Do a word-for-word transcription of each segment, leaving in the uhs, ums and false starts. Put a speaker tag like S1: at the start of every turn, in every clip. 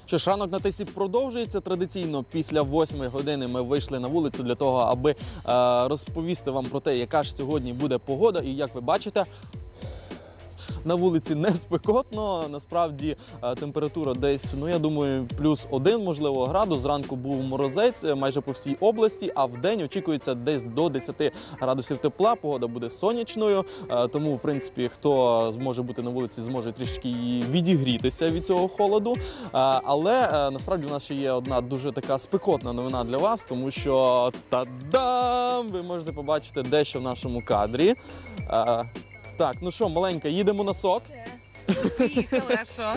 S1: Що ж, ранок на Тисі продовжується. Традиційно після восьмої години ми вийшли на вулицю для того, аби е, розповісти вам про те, яка ж сьогодні буде погода. І як ви бачите, на вулиці не спекотно, насправді температура десь, ну я думаю, плюс один, можливо, градус. Зранку був морозець майже по всій області, а в день очікується десь до десяти градусів тепла, погода буде сонячною, тому, в принципі, хто зможе бути на вулиці, зможе трішки відігрітися від цього холоду. Але насправді у нас ще є одна дуже така спекотна новина для вас, тому що, та-дам, ви можете побачити дещо в нашому кадрі. Так, ну що, маленька, їдемо на сок.
S2: Поїхали, а що?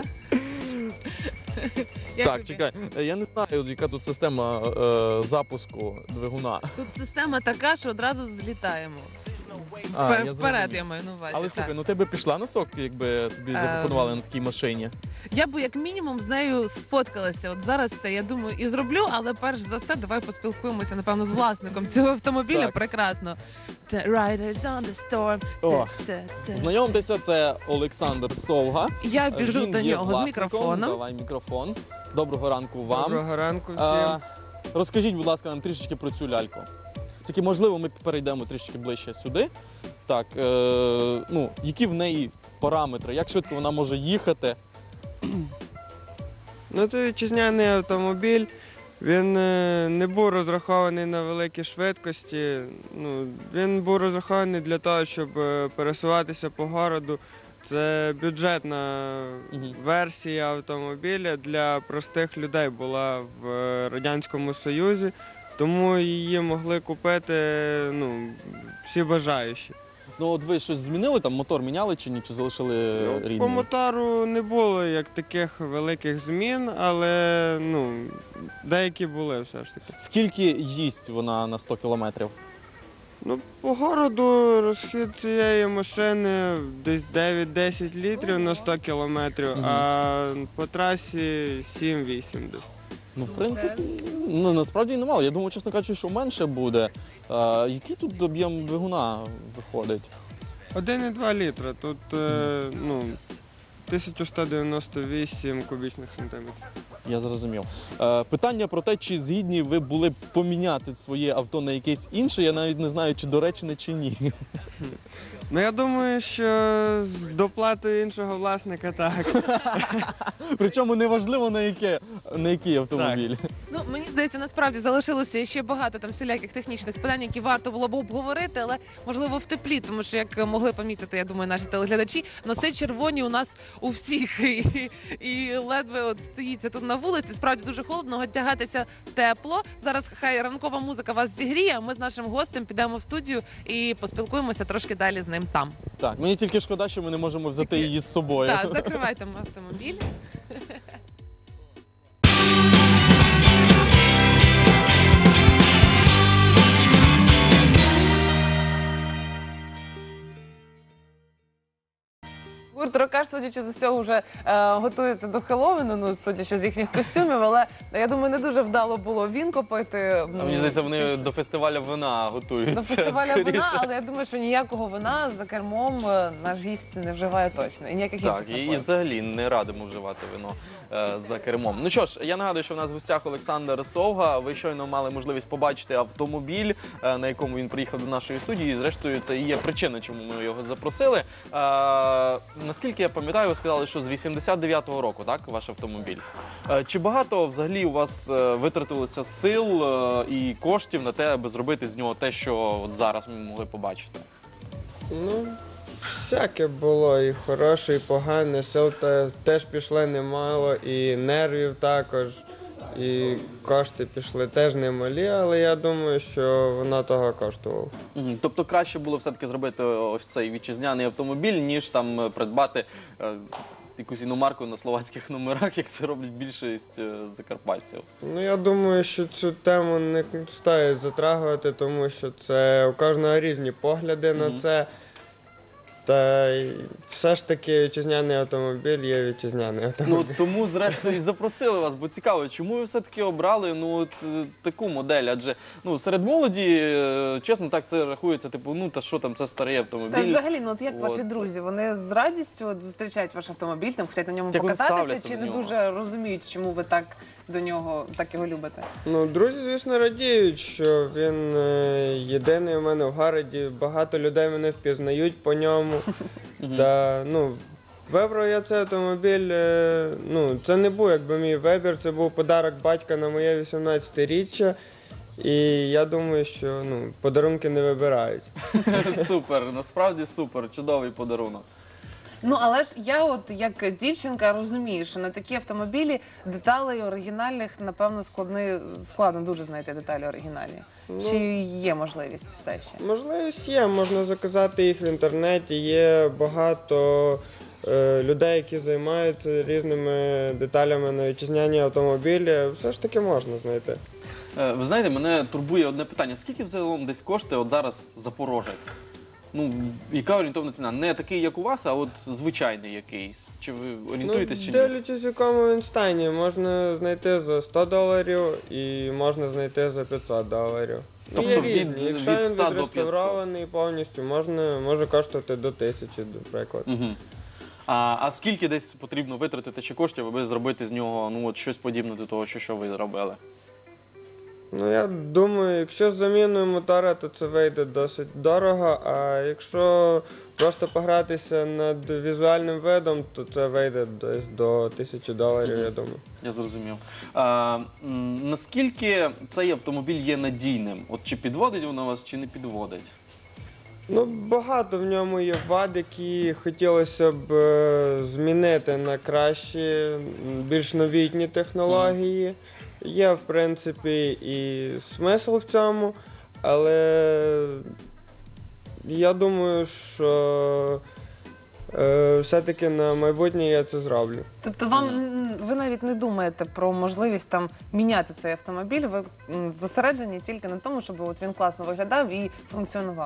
S1: Так, чекай, я не знаю, яка тут система е, запуску двигуна.
S2: Тут система така, що одразу злітаємо.
S1: А,
S2: Вперед,
S1: я
S2: я,
S1: зрозумів.
S2: маю на увазі.
S1: Але
S2: так.
S1: слухай, ну ти би пішла на сок, якби тобі запропонували на такій машині?
S2: Я би як мінімум з нею сфоткалася. От зараз це, я думаю, і зроблю, але перш за все давай поспілкуємося, напевно, з власником цього автомобіля.
S1: Так.
S2: Прекрасно. The riders on the storm.
S1: О,
S2: Та-та-та.
S1: Знайомтеся, це Олександр Совга.
S2: Я біжу
S1: Він
S2: до
S1: є
S2: нього з
S1: власником.
S2: мікрофоном.
S1: Давай мікрофон. Доброго ранку вам.
S3: Доброго ранку всім.
S1: А, розкажіть, будь ласка, нам трішечки про цю ляльку. Тільки, можливо, ми перейдемо трішки ближче сюди. Так, е, ну, які в неї параметри, як швидко вона може їхати?
S3: Ну, це вітчизняний автомобіль. Він е, не був розрахований на великі швидкості. Ну, він був розрахований для того, щоб е, пересуватися по городу. Це бюджетна
S1: Мгм.
S3: версія автомобіля для простих людей була в е, Радянському Союзі, тому її могли купити ну, всі бажаючі.
S1: Ну, от ви щось змінили, там мотор міняли чи ні, чи залишили
S3: Ну,
S1: рідний?
S3: По мотору не було як таких великих змін, але ну, деякі були все ж таки.
S1: Скільки їсть вона на сто кілометрів?
S3: Ну, по городу розхід цієї машини десь дев'ять-десять літрів на сто кілометрів,
S1: Мгм.
S3: а по трасі сім-вісім десь.
S1: Ну, в принципі, ну, насправді немало. Я думаю, чесно кажучи, що менше буде. А, який тут об'єм двигуна виходить?
S3: один і два літра, тут е, ну, тисяча сто дев'яносто вісім кубічних сантиметрів.
S1: Я зрозумів. Е, питання про те, чи згідні ви були б поміняти своє авто на якесь інше, я навіть не знаю, чи доречне, чи ні.
S3: Ну, я думаю, що з доплатою іншого власника так.
S1: Причому неважливо, на, яке, на який автомобіль.
S2: Ну, мені здається, насправді залишилося ще багато там всіляких технічних питань, які варто було б обговорити, але можливо в теплі, тому що як могли помітити, я думаю, наші телеглядачі, носи червоні у нас у всіх і, і ледве от стоїться тут на вулиці. Справді дуже холодно, одягатися тепло. Зараз хай ранкова музика вас зігріє. а Ми з нашим гостем підемо в студію і поспілкуємося трошки далі з ним там.
S1: Так, мені тільки шкода, що ми не можемо взяти
S2: Тільки-
S1: її з собою.
S2: Так, закривайте автомобіль. Гурт Рокаш, судячи з усього, вже е, готується до Хеллоуіну, ну, судячи з їхніх костюмів, але я думаю, не дуже вдало було він копити.
S1: А мені здається, вони до фестивалю вина готуються.
S2: До фестиваля
S1: скоріше.
S2: вина, але я думаю, що ніякого вина за кермом е, наш гість не вживає точно. І ніяких
S1: Так,
S2: інших
S1: і, і
S2: напоїв.
S1: взагалі не радимо вживати вино е, за кермом. Ну що ж, я нагадую, що в нас в гостях Олександр Совга. Ви щойно мали можливість побачити автомобіль, е, на якому він приїхав до нашої студії. І, зрештою, це і є причина, чому ми його запросили. Е, наскільки я пам'ятаю, ви сказали, що з вісімдесят дев'ятого року, так, ваш автомобіль. Е, чи багато взагалі у вас е, витратилося сил е, і коштів на те, аби зробити з нього те, що от зараз ми могли побачити?
S3: Ну, всяке було, і хороше, і погане, сил те- теж пішло немало, і нервів також, і кошти пішли теж немалі, але я думаю, що воно того коштувало.
S1: Мгм. Тобто краще було все-таки зробити ось цей вітчизняний автомобіль, ніж там е, придбати е, якусь іномарку на словацьких номерах, як це роблять більшість е, закарпатців.
S3: Ну, я думаю, що цю тему не стоїть затрагувати, тому що це у кожного різні погляди
S1: Мгм.
S3: на це. Та й все ж таки вітчизняний автомобіль є вітчизняний автомобіль.
S1: Ну тому, зрештою, і запросили вас, бо цікаво, чому ви все-таки обрали ну от е, таку модель? Адже ну серед молоді, е, чесно, так це рахується, типу, ну та що там, це старий автомобіль.
S2: Та взагалі, ну от як ваші
S1: От.
S2: друзі, вони з радістю от зустрічають ваш автомобіль, там хочуть на ньому
S1: Як вони
S2: покататися,
S1: ставляться
S2: чи
S1: до
S2: не
S1: нього?
S2: дуже розуміють, чому ви так до нього так його любите?
S3: Ну, друзі, звісно, радіють, що він е, єдиний у мене в городі. Багато людей мене впізнають по ньому. Та, ну, вибрав я цей автомобіль, е, ну, це не був якби мій вибір, це був подарок батька на моє вісімнадцятиріччя. І я думаю, що ну, подарунки не вибирають.
S1: Супер, насправді супер, чудовий подарунок.
S2: Ну, але ж я от як дівчинка розумію, що на такі автомобілі деталей оригінальних, напевно, складни, складно дуже знайти деталі оригінальні. Чи є можливість все ще?
S3: Можливість є, можна заказати їх в інтернеті, є багато е, людей, які займаються різними деталями на вітчизняні автомобілі. Все ж таки можна знайти.
S1: Е, Ви знаєте, мене турбує одне питання. Скільки взагалом десь коштує от зараз Запорожець? Ну, яка орієнтовна ціна? Не такий, як у вас, а от звичайний якийсь. Чи ви орієнтуєтесь
S3: Ну,
S1: чи ні?
S3: дивлячись, в якому він стані, можна знайти за сто доларів і можна знайти за п'ятсот доларів. Ну,
S1: Тобто
S3: є
S1: від-
S3: різні. Якщо
S1: від
S3: він
S1: ста до
S3: відреставрований повністю, можна, може коштувати до тисячі, наприклад.
S1: Угу. А, а скільки десь потрібно витратити ще коштів, аби зробити з нього ну, от щось подібне до того, що, що ви зробили?
S3: Ну, я думаю, якщо з заміною мотора, то це вийде досить дорого, а якщо просто погратися над візуальним видом, то це вийде десь до тисячі доларів, я думаю.
S1: Я зрозумів. А, м, наскільки цей автомобіль є надійним? От чи підводить воно вас, чи не підводить?
S3: Ну, багато в ньому є вад, які хотілося б е, змінити на кращі, м, більш новітні технології. Є, в принципі, і смисл в цьому, але я думаю, що е, все-таки на майбутнє я це зроблю.
S2: Тобто вам м, ви навіть не думаєте про можливість там міняти цей автомобіль, ви м, зосереджені тільки на тому, щоб от він класно виглядав і функціонував.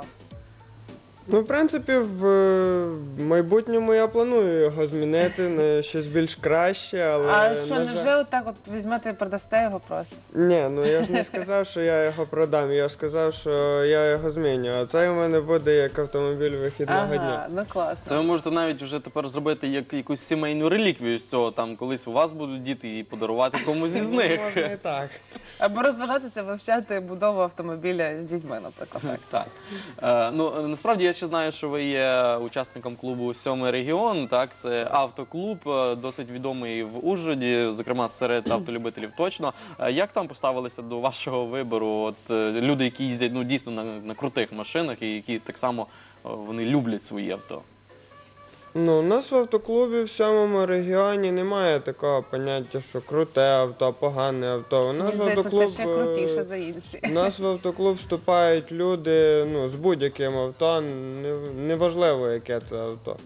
S3: Ну, в принципі, в е, майбутньому я планую його змінити на щось більш краще, але...
S2: А що,
S3: на
S2: невже
S3: жаль-
S2: отак от візьмете і продасте його просто?
S3: Ні, ну я ж не сказав, що я його продам, я ж сказав, що я його зміню, а це у мене буде як автомобіль вихідного дня.
S2: Ага, ну класно.
S1: Це ви можете навіть вже тепер зробити як якусь сімейну реліквію з цього. Там колись у вас будуть діти і подарувати комусь із них.
S3: Можна і так.
S2: Або розважатися, вивчати будову автомобіля з дітьми, наприклад. Так.
S1: Так. Е, ну, насправді я ще знаю, що ви є учасником клубу «Сьомий регіон». Так? Це автоклуб, е, досить відомий в Ужгороді, зокрема серед автолюбителів точно. Е, як там поставилися до вашого вибору? От, е, люди, які їздять ну, дійсно на, на крутих машинах і які так само е, вони люблять свої авто.
S3: Ну, у нас в автоклубі в сьомому регіоні немає такого поняття, що круте авто, погане авто. У нас
S2: Мені
S3: в
S2: здається, це
S3: автоклуб,
S2: ще
S3: е,
S2: крутіше за інші.
S3: У нас в автоклуб вступають люди ну, з будь-яким авто, не- неважливо, яке це авто.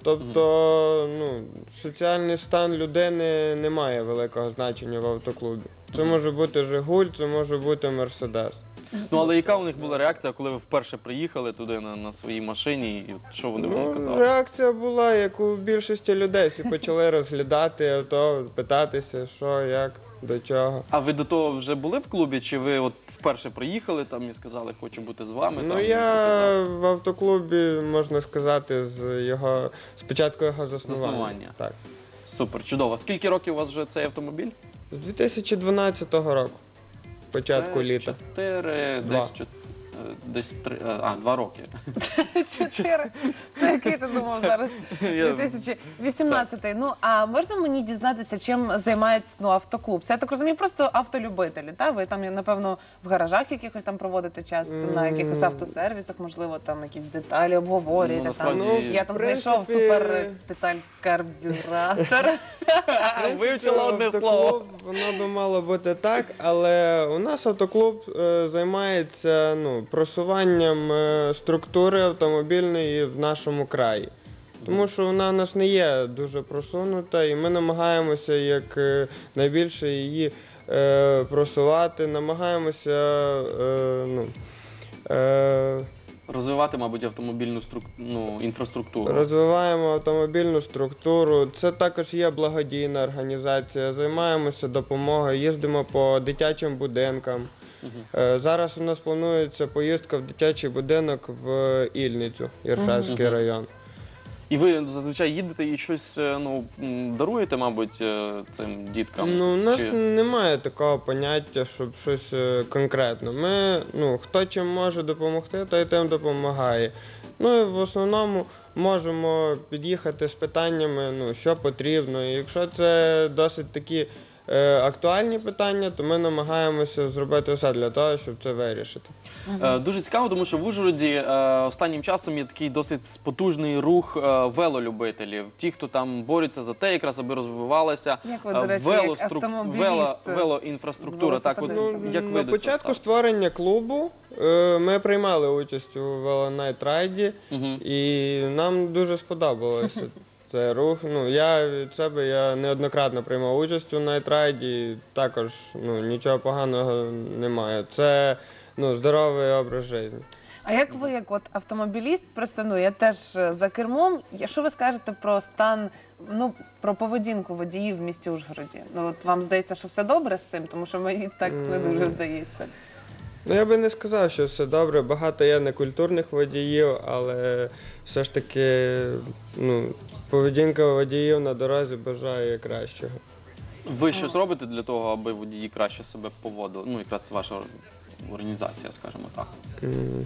S3: Тобто, ну, соціальний стан людини не має великого значення в автоклубі. Це може бути Жигуль, це може бути Мерседес.
S1: Ну, але яка у них була реакція, коли ви вперше приїхали туди на, на своїй машині, і от що вони вам
S3: Ну,
S1: казали?
S3: реакція була, як у більшості людей. Всі почали розглядати авто, питатися, що, як, до чого.
S1: А ви до того вже були в клубі, чи ви от вперше приїхали там і сказали, хочу бути з вами?
S3: Ну,
S1: там, і
S3: я
S1: показати?
S3: в автоклубі, можна сказати, з його, спочатку його заснування.
S1: Заснування.
S3: Так.
S1: Супер, чудово. Скільки років у вас вже цей автомобіль?
S3: З дві тисячі дванадцятого року, початку
S1: Це
S3: літа.
S1: Чотири,
S3: Два.
S1: десь, чот- е, десь три, е, а, два роки.
S2: Чотири. Це який ти думав зараз?
S1: Я-
S2: дві тисячі вісімнадцятий. Ну, а можна мені дізнатися, чим займається ну, автоклуб? Це, я так розумію, просто автолюбителі, та? Ви там, напевно, в гаражах якихось там проводите часто, на якихось автосервісах, можливо, там якісь деталі обговорюєте.
S1: Ну,
S2: там.
S1: насправді-
S2: Я там
S3: в
S2: знайшов
S3: принципі-
S2: супер деталь карбюратор.
S1: Вивчила одне
S3: Автоклуб,
S1: слово.
S3: Воно би мало бути так, але у нас автоклуб е, займається ну, просуванням е, структури автомобільної в нашому краї. Тому що вона у нас не є дуже просунута, і ми намагаємося як е, найбільше її е, просувати, намагаємося е, ну, е,
S1: Розвивати, мабуть, автомобільну струк... ну, інфраструктуру.
S3: Розвиваємо автомобільну структуру. Це також є благодійна організація. Займаємося допомогою, їздимо по дитячим будинкам. Е, Зараз у нас планується поїздка в дитячий будинок в Ільницю, Іршавський
S1: Мгм.
S3: район.
S1: І ви зазвичай їдете і щось е, ну, м, даруєте, мабуть, е, цим діткам?
S3: Ну, у нас
S1: Чи-
S3: немає такого поняття, щоб щось е, конкретно. Ми, ну, хто чим може допомогти, той тим допомагає. Ну і в основному можемо під'їхати з питаннями, ну, що потрібно. І якщо це досить такі е, актуальні питання, то ми намагаємося зробити все для того, щоб це вирішити.
S1: Е, Дуже цікаво, тому що в Ужгороді е, останнім часом є такий досить потужний рух е, велолюбителів. Ті, хто там борються за те, якраз аби розвивалася
S4: Як ви,
S1: е,
S4: до речі, як
S1: велострук-
S4: автомобіліст,
S1: вело-
S4: е,
S1: велоінфраструктура.
S4: з
S1: Так, от,
S4: велосипедистом.
S1: як ви
S3: на
S1: до цього
S3: початку
S1: ставитесь?
S3: створення клубу е, ми приймали участь у велонайт-райді,
S1: Мгм.
S3: і нам дуже сподобалося цей рух. Ну, я від себе я неоднократно приймав участь у найтрайді, також ну, нічого поганого немає. Це ну, здоровий образ життя.
S4: А як ви, як от автомобіліст, просто ну я теж е, за кермом. Я- Що ви скажете про стан, ну про поведінку водіїв в місті Ужгороді? Ну от вам здається, що все добре з цим, тому що мені так не дуже здається.
S3: Ну, я би не сказав, що все добре. Багато є некультурних водіїв, але все ж таки ну, поведінка водіїв на дорозі бажає кращого.
S1: Ви щось робите для того, аби водії краще себе поводили? Ну, якраз ваша організація, скажімо так.
S3: М.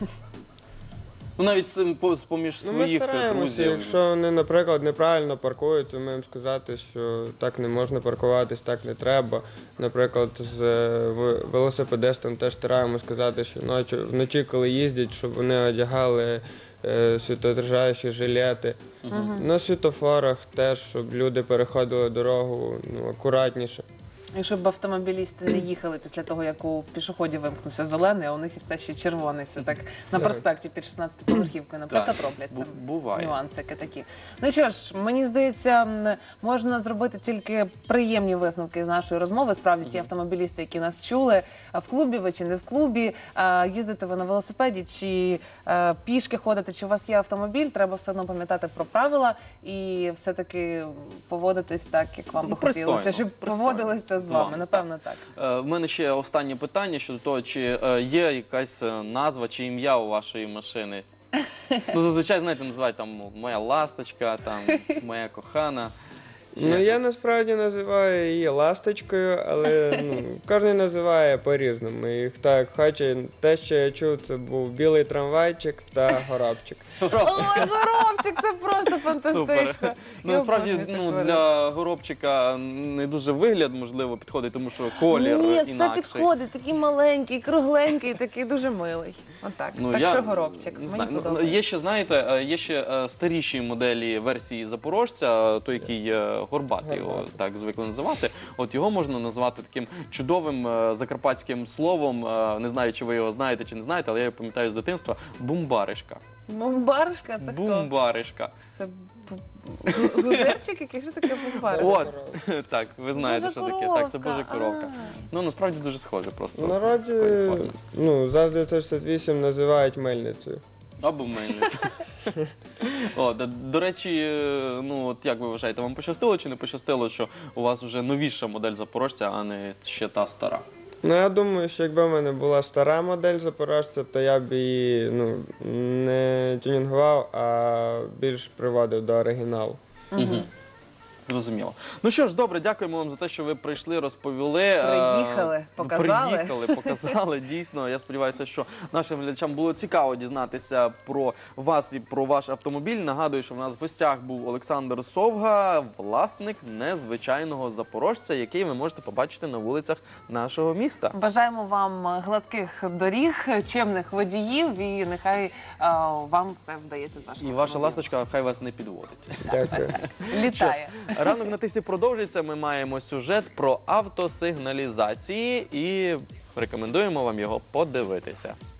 S1: Ну, навіть з- по- з-поміж
S3: Ну, ми
S1: своїх
S3: стараємося,
S1: друзів.
S3: якщо вони, наприклад, неправильно паркуються, ми їм сказати, що так не можна паркуватись, так не треба. Наприклад, з е, в- велосипедистам теж стараємося сказати, що ночі, вночі, коли їздять, щоб вони одягали е, світодержаючі жилети. На світофорах теж, щоб люди переходили дорогу ну, акуратніше.
S4: І щоб автомобілісти не їхали після того, як у пішоходів вимкнувся зелений, а у них і все ще червоний. Це так на проспекті під шістнадцятиповерхівкою, наприклад,
S1: Так,
S4: роблять це.
S1: бу- буває.
S4: Нюансики такі. Ну що ж, мені здається, м, можна зробити тільки приємні висновки з нашої розмови. Справді, ті автомобілісти, які нас чули, а в клубі ви чи не в клубі, а їздите ви на велосипеді чи е, пішки ходите, чи у вас є автомобіль, треба все одно пам'ятати про правила і все-таки поводитись так, як вам
S1: Ну,
S4: би
S1: пристойно,
S4: хотілося, щоб
S1: пристойно.
S4: поводилися з
S1: З
S4: вами.
S1: вами,
S4: Напевно, так.
S1: Е, В мене ще останнє питання щодо того, чи е, є якась е, назва чи ім'я у вашої машини? Ну, зазвичай, знаєте, називають там ну, моя ласточка, там моя кохана. Ще
S3: Ну, я
S1: якось.
S3: насправді називаю її ласточкою, але ну, кожен називає по-різному. І хто як хоче. Те, що я чув, це був білий трамвайчик та горобчик.
S4: Ой, горобчик, це просто фантастично.
S1: Супер. Ну,
S4: Я
S1: насправді,
S4: обожнюю цих
S1: ну,
S4: тварин.
S1: для горобчика не дуже вигляд, можливо, підходить, тому що колір
S4: Ні, все
S1: інакший.
S4: підходить, такий маленький, кругленький, такий дуже милий. Отак.
S1: Ну,
S4: так
S1: я
S4: що горобчик.
S1: не
S4: Мені
S1: знаю. Ну,
S4: подобається.
S1: є ще, знаєте, е, є ще е, старіші моделі версії Запорожця, е, той, який е, горбатий, його
S3: Горбатий.
S1: так звикли називати. От його можна назвати таким чудовим е, закарпатським словом. е, Не знаю, чи ви його знаєте чи не знаєте, але я його пам'ятаю з дитинства. Бумбаришка.
S4: Бумбаришка, це хто?
S1: Бумбаришка.
S4: Це бу- гу- гузерчик, який ж таке бумбаришка?
S1: От, так, ви знаєте,
S4: Божа
S1: що таке. Так, це
S4: коровка,
S1: божа коровка.
S4: а.
S1: Ну, насправді дуже схоже просто.
S3: В народі
S1: такої форми.
S3: ну, ЗАЗ дев'ятсот шістдесят вісім називають мельницею.
S1: Або мельниця. О, до, до речі, е, ну от як ви вважаєте, вам пощастило чи не пощастило, що у вас вже новіша модель Запорожця, а не ще та стара?
S3: Ну, я думаю, що якби в мене була стара модель Запорожця, то я б її ну, не тюнінгував, а більш приводив до оригіналу.
S1: Угу. Зрозуміло. Ну що ж, добре, дякуємо вам за те, що ви прийшли, розповіли. е,
S4: Приїхали, показали.
S1: Приїхали, показали. Дійсно, я сподіваюся, що нашим глядачам було цікаво дізнатися про вас і про ваш автомобіль. Нагадую, що в нас в гостях був Олександр Совга, власник незвичайного запорожця, який ви можете побачити на вулицях нашого міста.
S4: Бажаємо вам гладких доріг, чемних водіїв і нехай е, вам все вдається з вашим
S1: І ваша
S4: автомобілем.
S1: ласточка хай вас не підводить.
S3: Дякую.
S4: Літає.
S1: Ранок на тисі продовжується. Ми маємо сюжет про автосигналізації і рекомендуємо вам його подивитися.